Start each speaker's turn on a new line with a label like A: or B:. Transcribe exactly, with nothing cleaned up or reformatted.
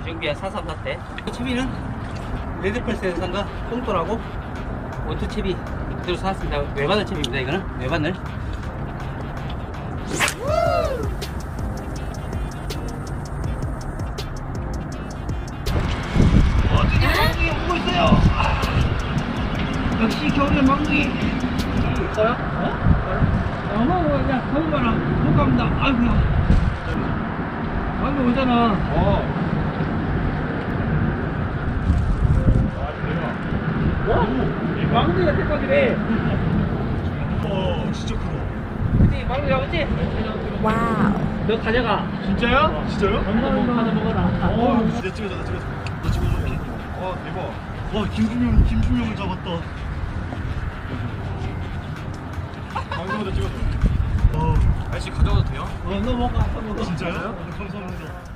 A: 주정비야 사삼 사태. 채비는 레드펄스에서 산 거 뽕돌하고 원투 채비 그대로 사왔습니다. 외바늘 채비입니다. 이거는 외바늘. 어, 드디어 망둥이 오고 있어요. 아, 역시 겨울엔 망둥이. 있어요? 어? 어머, 그냥 겨울바람 못 갑니다. 아이고야. 방금 오잖아. 어. 어? 망둥이가 대박이래.
B: 어, 진짜 크다.
A: 그치, 망둥이 잡았지?
C: 와우.
A: 너 가져가.
B: 진짜요?
A: 어.
B: 진짜요?
A: 엄마는 하나 먹어라.
B: 어, 내 찍어줘, 나 찍어줘. 나 찍어줘. 와, 대박. 와, 김준영, 김준영을 잡았다. 방금부터 찍었어. 어,
D: 아저씨 가져가도 돼요?
A: 어, 너 먹어. 너 먹어.
B: 진짜요? 감사합니다.